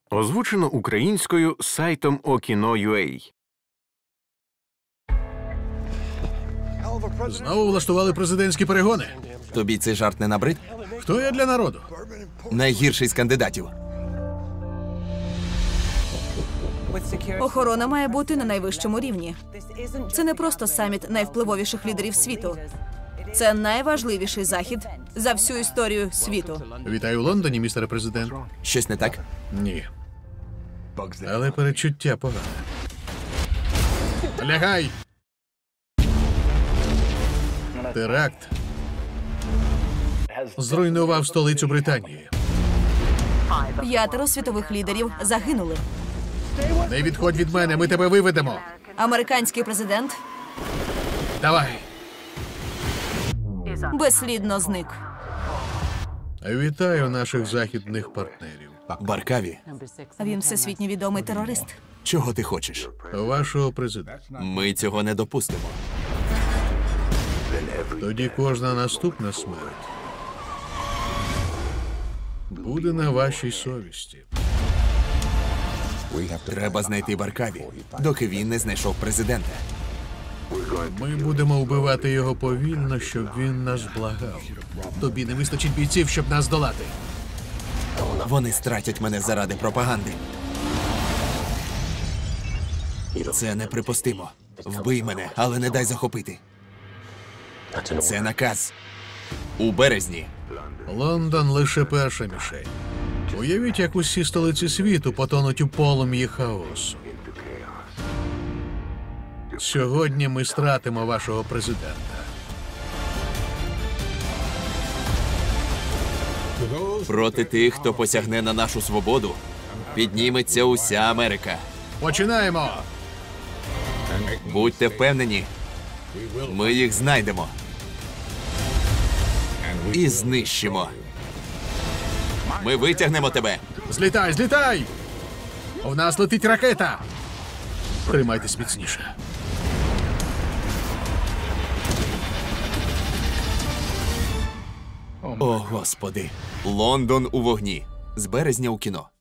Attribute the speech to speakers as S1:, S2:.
S1: Озвучено українською сайтом Okino.ua.
S2: Знову влаштували президентські перегони.
S3: Тобі цей жарт не набрид?
S2: Хто я для народу?
S3: Найгірший з кандидатів.
S4: Охорона має бути на найвищому рівні. Це не просто саміт найвпливовіших лідерів світу. Це найважливіший захід за всю історію світу.
S2: Вітаю в Лондоні, містере президент.
S3: Щось не так?
S2: Ні. Але перечуття погане. Лягай! Теракт зруйнував столицю Британії.
S4: 5 світових лідерів загинули.
S2: Не відходь від мене, ми тебе виведемо.
S4: Американський президент
S2: Давай.
S4: безслідно зник.
S2: Вітаю наших західних партнерів.
S3: Баркаві,
S4: Він всесвітньо відомий терорист.
S3: чого ти хочеш?
S2: Вашого президента.
S3: Ми цього не допустимо.
S2: Тоді кожна наступна смерть буде на вашій совісті.
S3: Треба знайти Баркаві, доки він не знайшов президента.
S2: Ми будемо вбивати його повільно, щоб він нас благав. Тобі не вистачить бійців, щоб нас долати.
S3: Вони стратять мене заради пропаганди. Це неприпустимо. Вбий мене, але не дай захопити. Це наказ. У березні.
S2: Лондон лише перша мішень. Уявіть, як усі столиці світу потонуть у полум'ї хаосу. Сьогодні ми стратимо вашого президента.
S3: Проти тих, хто посягне на нашу свободу, підніметься уся Америка.
S2: Починаємо!
S3: Будьте впевнені, ми їх знайдемо. І знищимо. Ми витягнемо тебе.
S2: Злітай, злітай! У нас летить ракета! Тримайтесь міцніше.
S3: О, Господи. Лондон у вогні. З березня у кіно.